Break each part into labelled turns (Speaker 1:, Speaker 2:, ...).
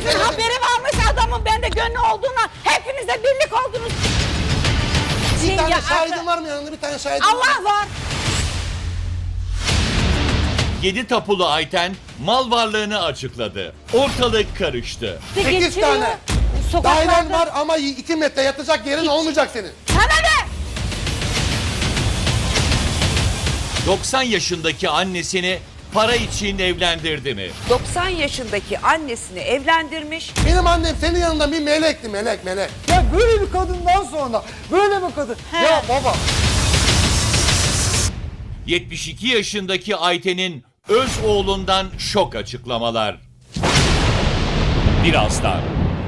Speaker 1: Hepinizin haberi varmış adamın bende gönlü olduğuna. Hepiniz de birlik oldunuz.
Speaker 2: Bir tane şahidin var mı yanında, bir tane şahidin var mı?
Speaker 1: Allah var.
Speaker 3: 7 tapulu Ayten mal varlığını açıkladı. Ortalık karıştı.
Speaker 2: 8 tane. Dairen var ama 2 metre yatacak yerin olmayacak senin.
Speaker 1: Sana ne?
Speaker 3: 90 yaşındaki annesini para için evlendirdi mi?
Speaker 4: 90 yaşındaki annesini evlendirmiş.
Speaker 2: Benim annem senin yanında bir melekti, melek.
Speaker 5: Ya böyle bir kadından sonra böyle bir kadın. Ya baba.
Speaker 3: 72 yaşındaki Ayten'in öz oğlundan şok açıklamalar. Birazdan.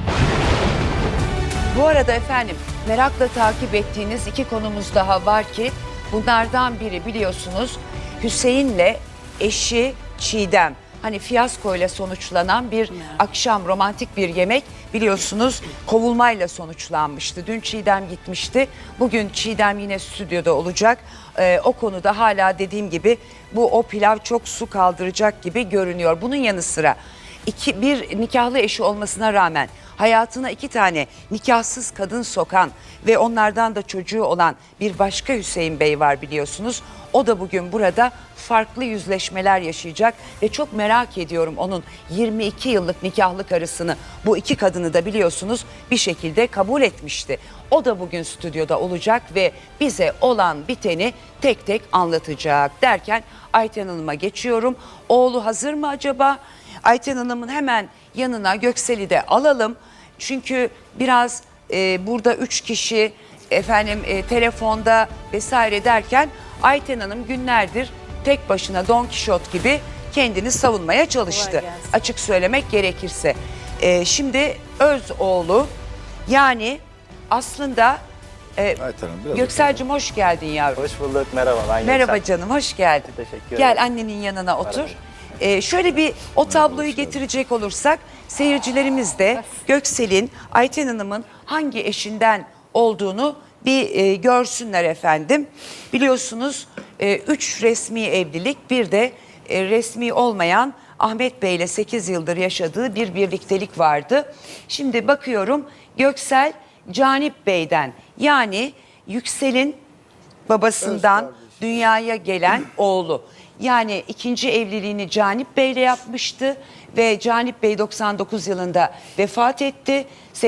Speaker 4: Bu arada efendim merakla takip ettiğiniz iki konumuz daha var ki bunlardan biri biliyorsunuz Hüseyin'le eşi Çiğdem. Hani fiyaskoyla sonuçlanan bir akşam romantik bir yemek biliyorsunuz kovulmayla sonuçlanmıştı. Dün Çiğdem gitmişti. Bugün Çiğdem yine stüdyoda olacak. O konuda hala dediğim gibi o pilav çok su kaldıracak gibi görünüyor. Bunun yanı sıra bir nikahlı eşi olmasına rağmen hayatına 2 tane nikahsız kadın sokan ve onlardan da çocuğu olan bir başka Hüseyin Bey var biliyorsunuz. O da bugün burada farklı yüzleşmeler yaşayacak ve çok merak ediyorum onun 22 yıllık nikahlı karısını, bu 2 kadını da biliyorsunuz bir şekilde kabul etmişti. O da bugün stüdyoda olacak ve bize olan biteni tek tek anlatacak derken Ayten Hanım'a geçiyorum. Oğlu hazır mı acaba? Ayten Hanım'ın hemen yanına Göksel'i de alalım. Çünkü biraz burada 3 kişi telefonda vesaire derken Ayten Hanım günlerdir tek başına Don Kişot gibi kendini savunmaya çalıştı. Açık söylemek gerekirse. Şimdi öz oğlu yani aslında Göksel'cim hoş geldin yavrum.
Speaker 6: Hoş bulduk, merhaba. Ben
Speaker 4: Merhaba
Speaker 6: Göksel.
Speaker 4: canım, hoş geldin.
Speaker 6: Teşekkür ederim.
Speaker 4: Gel annenin yanına otur. Şöyle bir o tabloyu getirecek olursak seyircilerimiz de Göksel'in Ayten Hanım'ın hangi eşinden olduğunu bir görsünler efendim. Biliyorsunuz 3 resmi evlilik bir de resmi olmayan Ahmet Bey ile 8 yıldır yaşadığı bir birliktelik vardı. Şimdi bakıyorum Göksel Canip Bey'den yani Yüksel'in babasından dünyaya gelen oğlu. Yani 2. evliliğini Canip Bey ile yapmıştı ve Canip Bey 99 yılında vefat etti.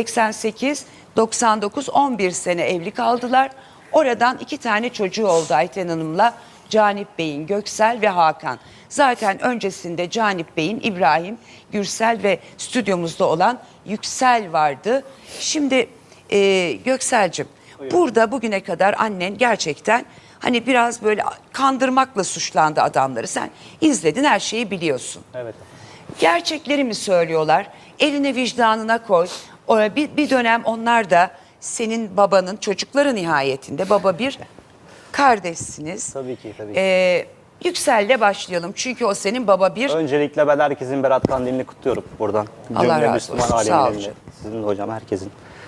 Speaker 4: 88, 99, 11 sene evli kaldılar. Oradan 2 tane çocuğu oldu Ayten Hanım'la Canip Bey'in, Göksel ve Hakan. Zaten öncesinde Canip Bey'in İbrahim, Gürsel ve stüdyomuzda olan Yüksel vardı. Şimdi Göksel'cim burada bugüne kadar annen gerçekten hani biraz böyle kandırmakla suçlandı adamları. Sen izledin, her şeyi biliyorsun.
Speaker 6: Evet.
Speaker 4: Gerçekleri mi söylüyorlar? Eline vicdanına koy. Bir dönem onlar da senin babanın çocukları nihayetinde. Baba bir, kardeşsiniz.
Speaker 6: Tabii ki, tabii ki.
Speaker 4: Yüksel'le başlayalım. Çünkü o senin baba bir.
Speaker 6: Öncelikle ben herkesin Berat Kandilini kutluyorum buradan.
Speaker 4: Allah razı
Speaker 6: Müslüman
Speaker 4: olsun, sağ ol
Speaker 6: aleminin
Speaker 4: canım.
Speaker 6: Sizin de hocam, herkesin.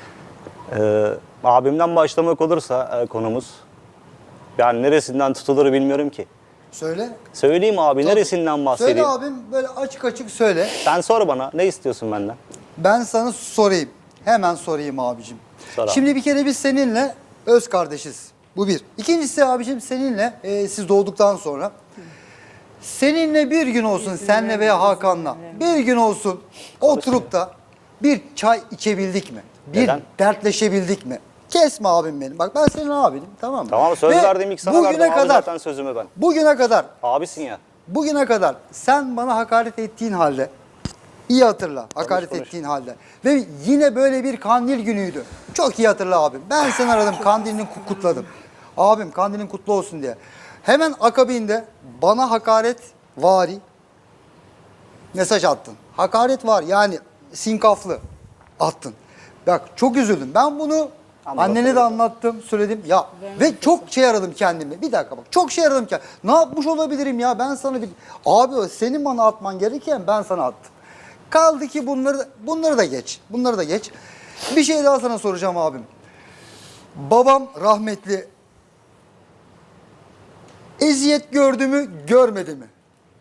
Speaker 6: Abimden başlamak olursa konumuz. Yani neresinden tutulur bilmiyorum ki.
Speaker 5: Söyle.
Speaker 6: Söyleyeyim abi,
Speaker 5: Tabii.
Speaker 6: neresinden bahsedeyim?
Speaker 5: Söyle abim, böyle açık açık söyle.
Speaker 6: Sen sor bana, ne istiyorsun benden?
Speaker 5: Ben sana sorayım. Hemen sorayım abicim.
Speaker 6: Sor abi.
Speaker 5: Şimdi bir kere biz seninle öz kardeşiz. Bu bir. İkincisi abicim seninle siz doğduktan sonra seninle bir gün olsun senle veya Hakan'la bir gün olsun oturup da bir çay içebildik mi? Bir
Speaker 6: Neden?
Speaker 5: dertleşebildik mi? Kesme abim benim. Bak ben senin abinim, tamam mı?
Speaker 6: Tamam, söz
Speaker 5: Ve
Speaker 6: verdiğim ilk sana verdim abi zaten sözümü ben.
Speaker 5: Bugüne kadar
Speaker 6: Abisin ya.
Speaker 5: sen bana hakaret ettiğin halde, iyi hatırla, hakaret
Speaker 6: konuş.
Speaker 5: ettiğin halde ve yine böyle bir kandil günüydü. Çok iyi hatırla abim. Ben seni aradım, kandilini kutladım. Abim kandilin kutlu olsun diye. Hemen akabinde bana hakaret vari mesaj attın. Hakaret var yani sinkaflı attın. Bak çok üzüldüm. Ben bunu annene de anlattım, söyledim. Ya ve çok şey aradım kendime. Bir dakika bak. Çok şey aradım kendime. Ne yapmış olabilirim ya? Ben sana bir abi senin bana atman gereken ben sana attım. Kaldı ki bunları da geç. Bunları da geç. Bir şey daha sana soracağım abim. Babam rahmetli eziyet gördü mü, görmedi mi?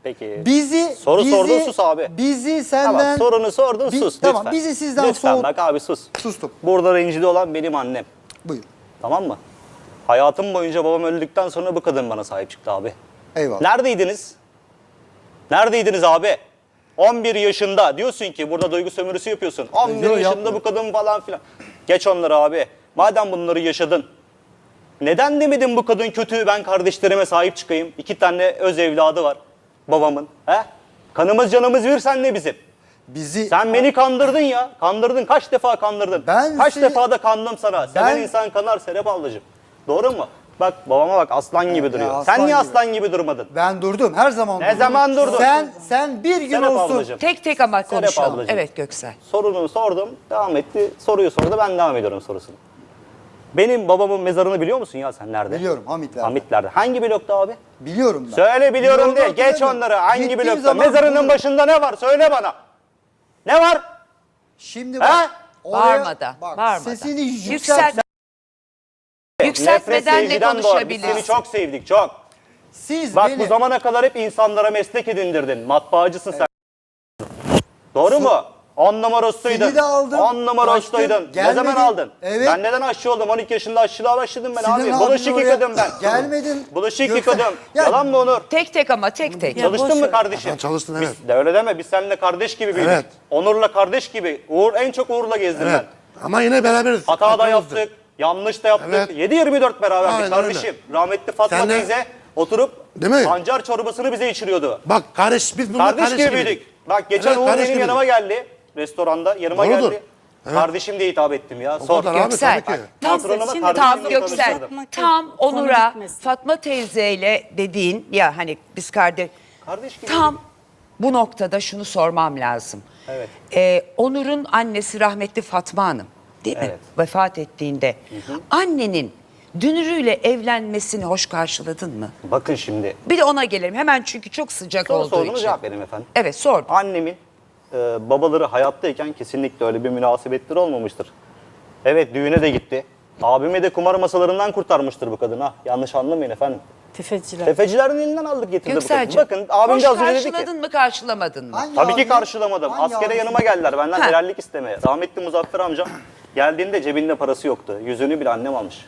Speaker 6: Peki.
Speaker 5: Bizi
Speaker 6: Soru
Speaker 5: bizi,
Speaker 6: sordun, sus abi.
Speaker 5: Bizi senden
Speaker 6: Tamam, sorunu sordun, sus
Speaker 5: Tamam,
Speaker 6: lütfen.
Speaker 5: bizi sizden
Speaker 6: lütfen bak abi sus.
Speaker 5: Sustum.
Speaker 6: Burada rencide olan benim annem.
Speaker 5: Buyur.
Speaker 6: Tamam mı? Hayatım boyunca babam öldükten sonra bu kadın bana sahip çıktı abi.
Speaker 5: Eyvallah.
Speaker 6: Neredeydiniz? Neredeydiniz abi? 11 yaşında diyorsun ki burada duygu sömürüsü yapıyorsun. 11
Speaker 5: Yok,
Speaker 6: yaşında
Speaker 5: yapmıyorum.
Speaker 6: bu kadın falan filan. Geç onları abi. Madem bunları yaşadın. Neden demedin bu kadın kötü, ben kardeşlerime sahip çıkayım. 2 tane öz evladı var babamın. He? Kanımız canımız bir, sen ne bizim?
Speaker 5: Bizi
Speaker 6: Sen beni kandırdın ya. Kandırdın. Kaç defa kandırdın?
Speaker 5: Ben
Speaker 6: Kaç
Speaker 5: seni-
Speaker 6: defa da kandım sana. Seven
Speaker 5: Ben-
Speaker 6: insan kanar Serap ablacığım. Doğru mu? Bak babama bak, aslan gibi duruyor.
Speaker 5: aslan
Speaker 6: Sen niye
Speaker 5: gibi.
Speaker 6: aslan gibi durmadın?
Speaker 5: ben durdum. Her zaman
Speaker 6: Ne
Speaker 5: durdum.
Speaker 6: zaman durdun?
Speaker 5: Sen bir gün
Speaker 6: Serap
Speaker 5: olsun.
Speaker 6: ablacığım.
Speaker 4: Tek tek ama
Speaker 6: Serap
Speaker 4: konuşalım.
Speaker 6: ablacığım.
Speaker 4: Evet Göksel.
Speaker 6: Sorunu sordum, devam etti. Soruyu sordu, ben devam ediyorum sorusunu. Benim babamın mezarını biliyor musun ya sen nerede?
Speaker 5: Biliyorum, Hamitler'de.
Speaker 6: Hamitler'de. Hangi blokta abi?
Speaker 5: Biliyorum ben.
Speaker 6: Söyle biliyorum diye. Geç
Speaker 5: hatırlamıyorum.
Speaker 6: onları. Hangi
Speaker 5: Gittiğim
Speaker 6: blokta?
Speaker 5: zaman
Speaker 6: Mezarının
Speaker 5: bulurum.
Speaker 6: başında ne var? Söyle bana. Ne var?
Speaker 5: Şimdi
Speaker 6: He?
Speaker 5: bak.
Speaker 4: Bağırmadan,
Speaker 5: Bak,
Speaker 4: bağırmadan.
Speaker 5: sesini
Speaker 4: Yükselt.
Speaker 5: yükselt.
Speaker 4: Yükseltmeden de
Speaker 6: sevgiden doğar. Biz seni
Speaker 4: konuşabiliriz.
Speaker 6: çok sevdik, çok.
Speaker 5: Siz
Speaker 6: Bak
Speaker 5: beni
Speaker 6: bu zamana kadar hep insanlara meslek edindirdin. Matbaacısın sen. Doğru mu? 10 numara ustaydın.
Speaker 5: Seni de aldım,
Speaker 6: 10 numara
Speaker 5: kaçtım,
Speaker 6: ustaydın. Ne
Speaker 5: gelmedin.
Speaker 6: zaman aldın?
Speaker 5: Evet.
Speaker 6: Ben neden aşçı oldum? 12 yaşında aşçılığa başladım ben
Speaker 5: Sinan
Speaker 6: abi.
Speaker 5: abinin
Speaker 6: Bulaşık
Speaker 5: oraya
Speaker 6: yıkadım ben.
Speaker 5: gelmedin.
Speaker 6: Bulaşık
Speaker 5: Gökhan-
Speaker 6: yıkadım.
Speaker 5: Ya-
Speaker 6: Yalan mı Onur?
Speaker 4: Tek tek ama tek tek.
Speaker 6: Çalıştın mı kardeşim?
Speaker 2: Ben çalıştım, evet.
Speaker 6: Biz de öyle deme. Biz seninle kardeş gibi büyüdük.
Speaker 2: Evet.
Speaker 6: Onur'la kardeş gibi. En çok Uğur'la gezdim
Speaker 2: Evet.
Speaker 6: ben.
Speaker 2: Ama yine beraberiz.
Speaker 6: Hata da
Speaker 2: Arkamızda.
Speaker 6: yaptık. Yanlış da yaptık.
Speaker 2: Evet.
Speaker 6: 7-24 beraberdik
Speaker 2: Aynen
Speaker 6: kardeşim. Rahmetli Fatma
Speaker 2: Sen de-
Speaker 6: teyze oturup
Speaker 2: Değil mi?
Speaker 6: pancar çorbasını bize içiriyordu.
Speaker 2: Bak kardeş, biz bunlar
Speaker 6: Kardeş gibi büyüdük. Bak geçen
Speaker 2: Evet,
Speaker 6: Uğur
Speaker 2: kardeş
Speaker 6: benim
Speaker 2: gibi.
Speaker 6: yanıma geldi. Restoranda yanıma
Speaker 2: Doğrudur.
Speaker 6: geldi.
Speaker 2: Evet.
Speaker 6: Kardeşim diye hitap ettim ya. Sor.
Speaker 2: kadar abi,
Speaker 4: Göksel.
Speaker 2: tabii ki.
Speaker 6: Patronuma
Speaker 1: Şimdi
Speaker 6: kardeşim
Speaker 4: Tam
Speaker 6: diye
Speaker 4: Göksel,
Speaker 6: konuşturdum.
Speaker 4: tam
Speaker 1: Konu
Speaker 4: Onur'a
Speaker 1: bitmesin.
Speaker 4: Fatma teyzeyle dediğin ya hani biz kardeş
Speaker 6: Kardeş gibi.
Speaker 4: tam bu noktada şunu sormam lazım.
Speaker 6: Evet.
Speaker 4: Onur'un annesi rahmetli Fatma Hanım değil mi?
Speaker 6: Evet.
Speaker 4: Vefat ettiğinde annenin Dünürü'yle evlenmesini hoş karşıladın mı?
Speaker 6: Bakın şimdi.
Speaker 4: Bir de ona gelelim hemen çünkü çok sıcak
Speaker 6: Soru
Speaker 4: olduğu
Speaker 6: sorduğunuz
Speaker 4: için.
Speaker 6: cevap vereyim efendim.
Speaker 4: Evet sordum.
Speaker 6: Annemin babaları hayattayken kesinlikle öyle bir münasebetleri olmamıştır. Evet, düğüne de gitti. Abimi de kumar masalarından kurtarmıştır bu kadın ha. Yanlış anlamayın efendim.
Speaker 1: Tefeciler.
Speaker 6: Tefecilerin elinden aldık getirdi bu kadın.
Speaker 4: Göksel'cim
Speaker 6: Bakın abim
Speaker 4: hoş
Speaker 6: de az önce dedi ki.
Speaker 4: karşıladın mı karşılamadın mı?
Speaker 5: Hangi
Speaker 6: Tabii ki
Speaker 5: abi?
Speaker 6: karşılamadım.
Speaker 5: Hangi
Speaker 6: Askere
Speaker 5: abi?
Speaker 6: yanıma geldiler benden
Speaker 4: Ha.
Speaker 6: helallik istemeye. Rahmetli Muzaffer amcam geldiğinde cebinde parası yoktu. Yüzüğünü bile annem almış.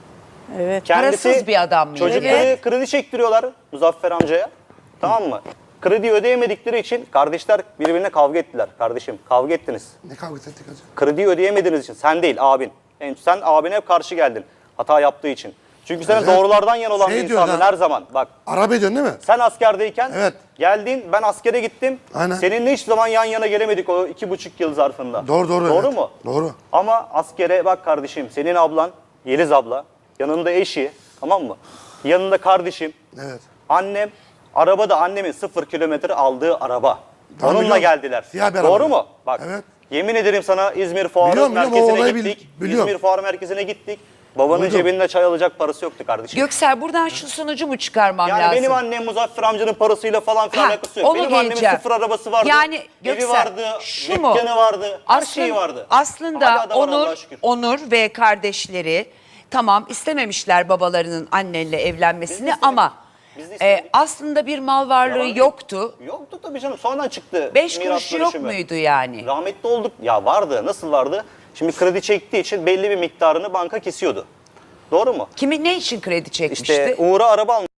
Speaker 1: Evet.
Speaker 4: Parasız bir adam mıydı?
Speaker 6: Çocukları
Speaker 4: Evet.
Speaker 6: kredi çektiriyorlar Muzaffer amcaya. Tamam mı? Kredi ödeyemedikleri için kardeşler birbirine kavga ettiler. Kardeşim kavga ettiniz.
Speaker 2: Ne kavga ettik hacı?
Speaker 6: Krediyi ödeyemediğiniz için. Sen değil, abin. Sen abine hep karşı geldin. Hata yaptığı için. Çünkü senin
Speaker 2: Evet.
Speaker 6: doğrulardan yan olan
Speaker 2: Şey
Speaker 6: bir
Speaker 2: diyor
Speaker 6: insandın
Speaker 2: lan.
Speaker 6: her zaman. Bak,
Speaker 2: Araba ediyorsun değil mi?
Speaker 6: sen askerdeyken
Speaker 2: Evet.
Speaker 6: geldin, ben askere gittim.
Speaker 2: Aynen.
Speaker 6: Seninle hiç zaman yan yana gelemedik o 2,5 yıl zarfında.
Speaker 2: Doğru,
Speaker 6: Doğru
Speaker 2: evet.
Speaker 6: mu?
Speaker 2: Doğru.
Speaker 6: Ama askere bak kardeşim, senin ablan, Yeliz abla, yanında eşi, tamam mı? Yanında kardeşim,
Speaker 2: Evet.
Speaker 6: annem, arabada annemin 0 kilometre aldığı araba.
Speaker 2: Tamam,
Speaker 6: Onunla
Speaker 2: biliyorum.
Speaker 6: geldiler.
Speaker 2: Siyah bir
Speaker 6: Doğru
Speaker 2: araba.
Speaker 6: mu? Bak,
Speaker 2: Evet.
Speaker 6: yemin ederim sana İzmir Fuarı
Speaker 2: Biliyorum, o
Speaker 6: Merkezi'ne
Speaker 2: olayı
Speaker 6: gittik.
Speaker 2: biliyorum.
Speaker 6: İzmir Fuarı Merkezi'ne gittik. Babanın
Speaker 2: Duydum.
Speaker 6: cebinde çay alacak parası yoktu kardeşim.
Speaker 4: Göksel buradan şu sonucu mu çıkarmam
Speaker 6: Yani
Speaker 4: lazım?
Speaker 6: benim annem Muzaffer amcanın parasıyla falan filan
Speaker 4: Ha,
Speaker 6: alakası yok.
Speaker 4: onu
Speaker 6: Benim annemin
Speaker 4: geleceğim.
Speaker 6: 0 arabası vardı.
Speaker 4: Yani
Speaker 6: evi
Speaker 4: Göksel,
Speaker 6: vardı,
Speaker 4: şu mu?
Speaker 6: dükkanı vardı, her şeyi vardı.
Speaker 4: Aslında
Speaker 6: Hala da var Allah'a şükür.
Speaker 4: Onur ve kardeşleri tamam istememişler babalarının annenle evlenmesini
Speaker 6: istemedik.
Speaker 4: ama
Speaker 6: Biz de istemedik.
Speaker 4: aslında bir mal varlığı
Speaker 6: Yalan yok.
Speaker 4: yoktu.
Speaker 6: Yoktu tabii canım. Sonradan çıktı.
Speaker 4: 5
Speaker 6: miras
Speaker 4: kuruşu yok
Speaker 6: bölüşümü.
Speaker 4: muydu yani?
Speaker 6: Rahmetli olduk. Ya vardı. Nasıl vardı? Şimdi kredi çektiği için belli bir miktarını banka kesiyordu. Doğru mu?
Speaker 4: Kimi ne için kredi çekmişti?
Speaker 6: İşte Uğur'a araba almış.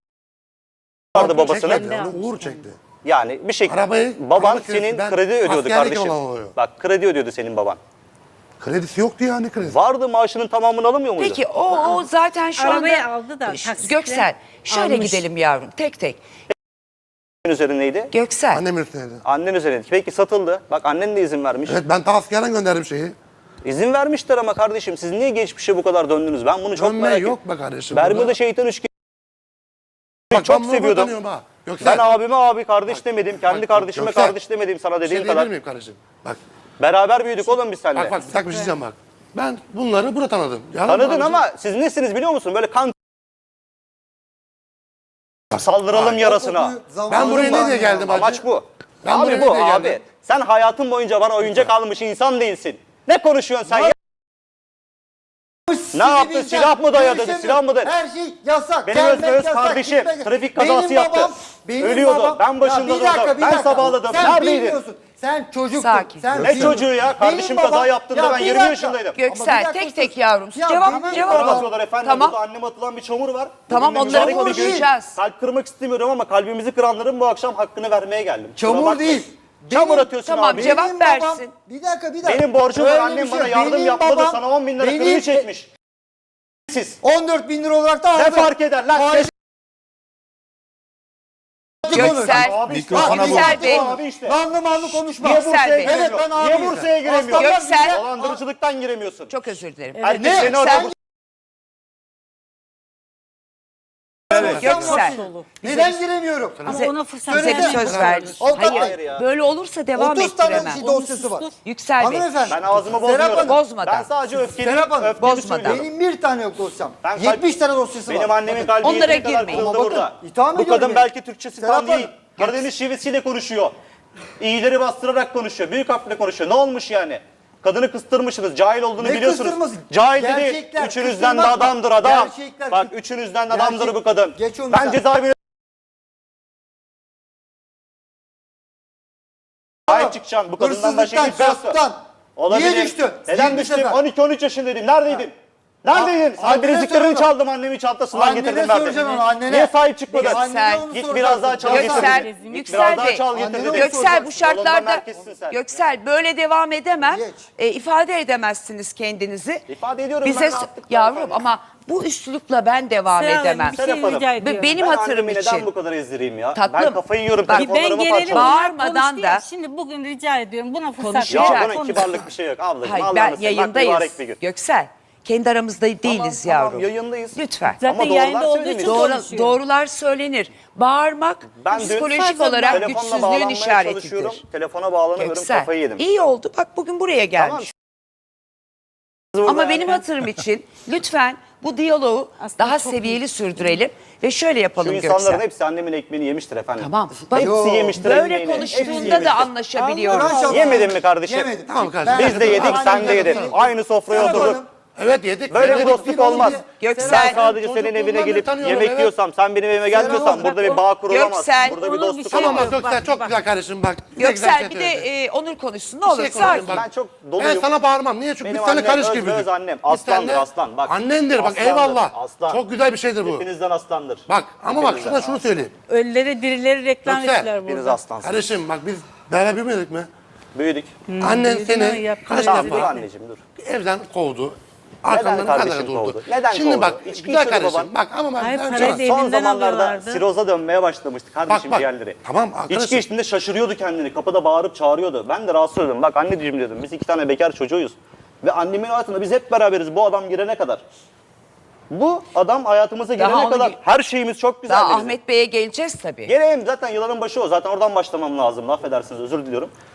Speaker 6: Vardı babasının.
Speaker 2: Çekmedi, onu Uğur çekti.
Speaker 6: Yani bir şekilde
Speaker 2: Arabayı-
Speaker 6: baban
Speaker 2: araba kredisi,
Speaker 6: senin
Speaker 2: ben
Speaker 6: kredi ödüyordu
Speaker 2: askerlik
Speaker 6: kardeşim.
Speaker 2: olan oluyor.
Speaker 6: Bak kredi ödüyordu senin baban.
Speaker 2: Kredisi yoktu yani kredi.
Speaker 6: Vardı, maaşının tamamını alamıyor muydu?
Speaker 4: Peki o zaten şu
Speaker 1: Arabayı
Speaker 4: anda...
Speaker 1: aldı da taksitle
Speaker 4: Göksel şöyle
Speaker 1: almış.
Speaker 4: gidelim yavrum tek tek.
Speaker 6: Kimin üzerindeydi?
Speaker 4: Göksel
Speaker 2: Annem üstüneydi.
Speaker 6: Annen üzerindeydi. Peki satıldı. Bak annen de izin vermiş.
Speaker 2: Evet, ben ta askerden gönderdim şeyi.
Speaker 6: İzin vermişler ama kardeşim siz niye geçmişe bu kadar döndünüz? Ben bunu çok
Speaker 2: Dönme
Speaker 6: merak
Speaker 2: yok
Speaker 6: ettim.
Speaker 2: be kardeşim.
Speaker 6: Bermuda
Speaker 2: burada.
Speaker 6: şeytan üçgeni
Speaker 2: Bak,
Speaker 6: çok
Speaker 2: ben bunu
Speaker 6: seviyordum.
Speaker 2: tanıyorum ha. Yoksa
Speaker 6: Ben abime abi kardeş demedim. Kendi
Speaker 2: bak,
Speaker 6: kardeşime
Speaker 2: Göksel,
Speaker 6: kardeş demedim sana
Speaker 2: bir şey
Speaker 6: dediğin
Speaker 2: diyebilir
Speaker 6: kadar.
Speaker 2: miyim kardeşim? Bak,
Speaker 6: Beraber büyüdük oğlum biz seninle.
Speaker 2: bak bir dakika bir şey diyeceğim bak. Ben bunları burada tanıdım. Yalan mı
Speaker 6: Tanıdın
Speaker 2: abicim?
Speaker 6: ama siz nesiniz biliyor musun? Böyle kan saldıralım yarasına.
Speaker 2: Ben buraya ne diye geldim hacı?
Speaker 6: Amaç bu.
Speaker 2: Ben buraya
Speaker 6: abi
Speaker 2: ne
Speaker 6: bu
Speaker 2: diye
Speaker 6: abi.
Speaker 2: geldim?
Speaker 6: Sen hayatın boyunca bana oyuncak almış insan değilsin. Ne konuşuyorsun sen ya?
Speaker 5: sizi
Speaker 6: yaptı?
Speaker 5: bileceğim.
Speaker 6: Silah mı dayadı?
Speaker 5: Görüşemiyorum.
Speaker 6: Silah mı dayadı?
Speaker 5: Her şey yasak.
Speaker 6: Benim
Speaker 5: Gelmek
Speaker 6: öz
Speaker 5: yasak,
Speaker 6: kardeşim
Speaker 5: gitmek-
Speaker 6: trafik kazası
Speaker 5: Benim
Speaker 6: yaptı.
Speaker 5: babam- benim
Speaker 6: Ölüyordu.
Speaker 5: babam-
Speaker 6: Ben başında
Speaker 5: Ya bir dakika,
Speaker 6: durdum.
Speaker 5: bir
Speaker 6: Ben
Speaker 5: dakika.
Speaker 6: sabahladım.
Speaker 5: Sen
Speaker 6: Neredeydin?
Speaker 5: bilmiyorsun. Sen çocuktun.
Speaker 4: Sakin.
Speaker 5: Sen
Speaker 6: Ne
Speaker 5: bilmiyorsun.
Speaker 6: çocuğu ya? Kardeşim
Speaker 5: Benim
Speaker 6: kaza
Speaker 5: babam-
Speaker 6: yaptığında
Speaker 5: Ya
Speaker 6: ben
Speaker 5: bir
Speaker 6: 20
Speaker 5: dakika.
Speaker 6: yaşındaydım.
Speaker 5: Ama bir
Speaker 4: Göksel
Speaker 5: dakika
Speaker 4: tek tek
Speaker 5: sus.
Speaker 4: yavrum.
Speaker 5: Ya
Speaker 4: Cevap
Speaker 5: benim
Speaker 4: cevap
Speaker 5: babam-
Speaker 4: al.
Speaker 6: Atıyorlar efendim.
Speaker 4: Tamam.
Speaker 6: Burada anneme atılan bir çamur var.
Speaker 4: Tamam,
Speaker 6: Bugün
Speaker 4: onları
Speaker 6: mücadele ediyoruz.
Speaker 4: konuşacağız.
Speaker 6: Kalp kırmak istemiyorum ama kalbimizi kıranların bu akşam hakkını vermeye geldim. Kusura
Speaker 5: Çamur
Speaker 6: bakmayın.
Speaker 5: değil.
Speaker 6: Çamur
Speaker 5: Benim-
Speaker 6: atıyorsun
Speaker 4: Tamam,
Speaker 6: abi.
Speaker 4: cevap
Speaker 5: Benim
Speaker 4: versin.
Speaker 5: babam- Bir dakika.
Speaker 6: Benim borcum var.
Speaker 5: Öyle
Speaker 6: Annem
Speaker 5: bir şey
Speaker 6: bana
Speaker 5: yok.
Speaker 6: yardım
Speaker 5: Benim
Speaker 6: yapmadı.
Speaker 5: babam-
Speaker 6: Sana 10 bin lira
Speaker 5: benim-
Speaker 6: kredi çekmiş. Siz.
Speaker 5: 14 bin lira olarak da aldım.
Speaker 6: Ne fark eder lan?
Speaker 5: Faiz-
Speaker 4: Göksel.
Speaker 6: Abi işte.
Speaker 5: Bak,
Speaker 6: Abi
Speaker 4: Göksel
Speaker 6: işte.
Speaker 4: Bey.
Speaker 6: Abi işte.
Speaker 5: Lanlı manlı konuşma.
Speaker 6: Niye
Speaker 4: Göksel
Speaker 6: Bursa'ya
Speaker 4: Bey.
Speaker 6: giremiyor?
Speaker 5: Evet, ben
Speaker 6: Niye
Speaker 5: abiyim.
Speaker 6: Bursa'ya giremiyor?
Speaker 5: Aslanlar
Speaker 4: Göksel.
Speaker 5: bize-
Speaker 6: Dolandırıcılıktan giremiyorsun.
Speaker 4: Çok özür dilerim.
Speaker 6: Herkes
Speaker 5: Ne?
Speaker 6: seni orada
Speaker 4: Sen- Göksel.
Speaker 5: Neden giremiyorum?
Speaker 4: Bize,
Speaker 7: ona fırsat
Speaker 4: bize bir
Speaker 7: vermeyin.
Speaker 4: söz verdi.
Speaker 5: Avukat
Speaker 4: Hayır,
Speaker 6: Bey.
Speaker 4: böyle olursa devam
Speaker 5: 30 tane
Speaker 4: ettiremem.
Speaker 5: şey dosyası var.
Speaker 4: Yüksel Bey.
Speaker 5: Hanımefendi.
Speaker 6: Ben ağzımı
Speaker 5: Serap
Speaker 6: bozmuyorum.
Speaker 5: Hanım,
Speaker 4: Bozmadan.
Speaker 6: Ben sadece öfkemi,
Speaker 5: Serap Hanım,
Speaker 6: öfkemi
Speaker 4: bozmadan.
Speaker 6: söylüyorum.
Speaker 5: Benim bir tane yok dosyam.
Speaker 6: Ben
Speaker 5: 70 tane dosyası var.
Speaker 6: Benim annemin kalbi
Speaker 4: Onlara
Speaker 6: yeteri kadar
Speaker 4: girmeyin.
Speaker 6: kırıldı
Speaker 5: Ama bakın,
Speaker 6: burada.
Speaker 5: itham
Speaker 6: Bu
Speaker 5: ediyorum
Speaker 6: kadın
Speaker 5: ya.
Speaker 6: belki Türkçesi
Speaker 5: Serap
Speaker 6: tam değil.
Speaker 5: Hanım.
Speaker 6: Karadeniz şivesiyle konuşuyor. İyileri bastırarak konuşuyor. Büyük harfle konuşuyor. Ne olmuş yani? Kadını kıstırmışsınız. Cahil olduğunu
Speaker 5: Ne
Speaker 6: biliyorsunuz.
Speaker 5: kıstırması?
Speaker 6: Cahil dedi.
Speaker 5: Gerçekler,
Speaker 6: Üçünüzden de
Speaker 5: kıstırmak bak.
Speaker 6: adamdır adam.
Speaker 5: Gerçekler,
Speaker 6: Bak üçünüzden de adamdır
Speaker 5: Gerçek-
Speaker 6: bu kadın.
Speaker 5: Geç onu
Speaker 6: Ben
Speaker 5: sen.
Speaker 6: cezaevine sahip çıkacağım. Bu kadından başka
Speaker 5: Hırsızlıktan,
Speaker 6: kimse yoktu.
Speaker 5: gasptan.
Speaker 6: Olabilir.
Speaker 5: Niye düştün?
Speaker 6: Neden
Speaker 5: 20
Speaker 6: düştüm?
Speaker 5: sefer.
Speaker 6: 12-13 yaşındaydım. Neredeydin? Neredeydin? Sen
Speaker 5: annene
Speaker 6: bileziklerini
Speaker 5: soracağım.
Speaker 6: çaldım annemin çantasından
Speaker 5: Annene
Speaker 6: getirdim verdim.
Speaker 5: soracaksın onu, annene.
Speaker 6: Niye sahip çıkmadın?
Speaker 4: Göksel.
Speaker 5: Annene onu
Speaker 6: Git
Speaker 5: soracaksın.
Speaker 6: biraz daha çal getir
Speaker 4: Göksel,
Speaker 6: dedi. Git
Speaker 4: Yüksel
Speaker 6: biraz daha
Speaker 4: Bey.
Speaker 6: çal getir
Speaker 5: Annene
Speaker 6: dedi.
Speaker 5: onu
Speaker 4: Göksel bu
Speaker 6: Yolundan
Speaker 4: şartlarda
Speaker 6: merkezsin sen.
Speaker 4: Göksel böyle devam edemem.
Speaker 5: Geç.
Speaker 4: İfade edemezsiniz kendinizi.
Speaker 6: İfade ediyorum
Speaker 4: Bize
Speaker 6: ben rahatlıkla
Speaker 4: yavrum
Speaker 6: efendim.
Speaker 4: ama bu üslupla ben devam
Speaker 7: Serap Hanım,
Speaker 4: edemem.
Speaker 7: bir şey
Speaker 6: Serap Hanım.
Speaker 7: rica ediyorum.
Speaker 4: Benim
Speaker 6: Ben
Speaker 4: hatırım
Speaker 6: annemi
Speaker 4: için.
Speaker 6: neden bu kadar ezdireyim ya?
Speaker 4: Tatlım.
Speaker 6: Ben kafayı yiyorum.
Speaker 4: Bak,
Speaker 7: Ben
Speaker 6: Telefonlarımı
Speaker 7: gelelim
Speaker 6: parçalıyorum.
Speaker 4: Bağırmadan
Speaker 7: konuştu
Speaker 4: da-
Speaker 7: ya, Şimdi bugün rica ediyorum buna fırsat
Speaker 4: Konuşacağız.
Speaker 6: Ya
Speaker 7: verin.
Speaker 6: bunun
Speaker 7: Konuş.
Speaker 6: kibarlık bir şey yok ablacığım.
Speaker 4: Hayır
Speaker 6: Allah'ını
Speaker 4: ben
Speaker 6: seversen, bak mübarek bir
Speaker 4: yayındayız.
Speaker 6: gün.
Speaker 4: Göksel kendi aramızda değiliz yavrum.
Speaker 6: Tamam yayındayız.
Speaker 4: Lütfen.
Speaker 7: Zaten
Speaker 6: Ama
Speaker 7: yayında
Speaker 6: doğrular
Speaker 7: olduğu
Speaker 6: söylenir.
Speaker 7: için konuşuyor.
Speaker 4: Doğrular söylenir. Bağırmak
Speaker 6: Ben dün
Speaker 4: psikolojik olarak
Speaker 6: telefonla
Speaker 4: güçsüzlüğün
Speaker 6: bağlanmaya
Speaker 4: işaretidir.
Speaker 6: çalışıyorum. Telefona bağlanamıyorum,
Speaker 4: Göksel
Speaker 6: kafayı yedim.
Speaker 4: iyi oldu bak bugün buraya gelmiş.
Speaker 6: Tamam.
Speaker 4: Ama benim hatırım için lütfen bu diyaloğu
Speaker 7: Aslında
Speaker 4: daha
Speaker 7: çok
Speaker 4: seviyeli sürdürelim ve şöyle
Speaker 6: Şu
Speaker 4: yapalım
Speaker 6: insanların
Speaker 4: Göksel.
Speaker 6: hepsi annemin ekmeğini yemiştir efendim.
Speaker 4: Tamam. Bak,
Speaker 6: Hepsi yemiştir
Speaker 4: böyle
Speaker 6: ekmeğini. Hepsi
Speaker 4: konuştuğunda
Speaker 6: yemiştir.
Speaker 4: da anlaşabiliyoruz.
Speaker 5: Allah
Speaker 6: Yemedin mi kardeşim?
Speaker 5: Yemedim.
Speaker 2: Tamam kardeşim.
Speaker 5: Ben-
Speaker 6: Biz de yedik, sen de yedin. Aynı sofraya
Speaker 5: Serap
Speaker 6: oturduk.
Speaker 5: Hanım,
Speaker 2: Evet yedik.
Speaker 6: Böyle bir
Speaker 2: yedik.
Speaker 6: dostluk olmaz.
Speaker 4: Göksel.
Speaker 6: Ben sadece senin
Speaker 2: Çocukluğumdan
Speaker 6: evine
Speaker 2: beri
Speaker 6: gelip
Speaker 2: tanıyorum,
Speaker 6: yemek
Speaker 2: evet.
Speaker 6: yiyorsam, sen benim evime gelmiyorsan
Speaker 5: Serap,
Speaker 6: burada bir bağ kurulamaz.
Speaker 4: Göksel.
Speaker 6: Burada bir
Speaker 7: Olur, bir
Speaker 6: dostluk
Speaker 7: şey
Speaker 2: Tamam
Speaker 6: olamaz.
Speaker 2: bak Göksel çok
Speaker 7: Bak.
Speaker 2: güzel kardeşim bak. Ne güzel
Speaker 4: Göksel
Speaker 2: şey
Speaker 4: bir
Speaker 2: söyledi.
Speaker 4: de Onur konuşsun ne
Speaker 2: Bir
Speaker 4: olur
Speaker 2: şey
Speaker 4: sakin.
Speaker 2: konuşayım bak.
Speaker 6: Ben çok
Speaker 2: Ben
Speaker 6: doluyum.
Speaker 2: sana bağırmam. Niye? Çünkü
Speaker 6: Benim
Speaker 2: biz seninle
Speaker 6: annem
Speaker 2: karış
Speaker 6: öz
Speaker 2: gibidir.
Speaker 6: öz annem.
Speaker 2: Biz
Speaker 6: Aslandır,
Speaker 2: seninle-
Speaker 6: aslan. Bak.
Speaker 2: Annendir bak
Speaker 6: Aslandır,
Speaker 2: eyvallah.
Speaker 6: aslan.
Speaker 2: Çok güzel bir şeydir bu.
Speaker 6: Hepinizden aslandır.
Speaker 2: Bak ama bak
Speaker 6: Hepinizden
Speaker 2: şunu söyleyeyim.
Speaker 7: Ölüleri dirileri reklam
Speaker 2: Göksel,
Speaker 7: ettiler
Speaker 6: Hepiniz
Speaker 7: burada.
Speaker 6: aslansınız.
Speaker 2: Kardeşim bak biz beraber büyümedik mi?
Speaker 6: Büyüdük.
Speaker 2: Annen
Speaker 7: büyüdün
Speaker 2: seni
Speaker 7: ama yaptın
Speaker 2: kaç
Speaker 6: Tamam dur
Speaker 2: defa
Speaker 6: anneciğim dur.
Speaker 2: evden kovdu. Arkandan kadar
Speaker 6: kardeşim
Speaker 2: durdu.
Speaker 6: kovdu? Neden
Speaker 2: Şimdi
Speaker 6: kovdu?
Speaker 2: bak
Speaker 6: İçki
Speaker 2: güzel
Speaker 6: içiyordu
Speaker 2: kardeşim.
Speaker 6: baban.
Speaker 2: Bak ama bak
Speaker 7: Hayır,
Speaker 2: ben
Speaker 7: parayı
Speaker 2: sana-
Speaker 7: da
Speaker 6: Son
Speaker 7: elinden
Speaker 6: zamanlarda
Speaker 7: alıyorlardı.
Speaker 6: siroza dönmeye başlamıştı kardeşim
Speaker 2: Bak.
Speaker 6: ciğerleri.
Speaker 2: Tamam, arkadaşım.
Speaker 6: İçki içtiğinde şaşırıyordu kendini. Kapıda bağırıp çağırıyordu. Ben de rahatsız oldum. Bak anneciğim dedim. Biz 2 tane bekar çocuğuyuz. Ve annemin hayatında biz hep beraberiz bu adam girene kadar. Bu adam hayatımıza
Speaker 4: Daha
Speaker 6: girene
Speaker 4: onu
Speaker 6: kadar
Speaker 4: gi-
Speaker 6: her şeyimiz çok güzel.
Speaker 4: Daha
Speaker 6: bizim.
Speaker 4: Ahmet Bey'e geleceğiz tabii.
Speaker 6: Geleyim zaten yılanın başı o. Zaten oradan başlamam lazım. Affedersiniz özür diliyorum.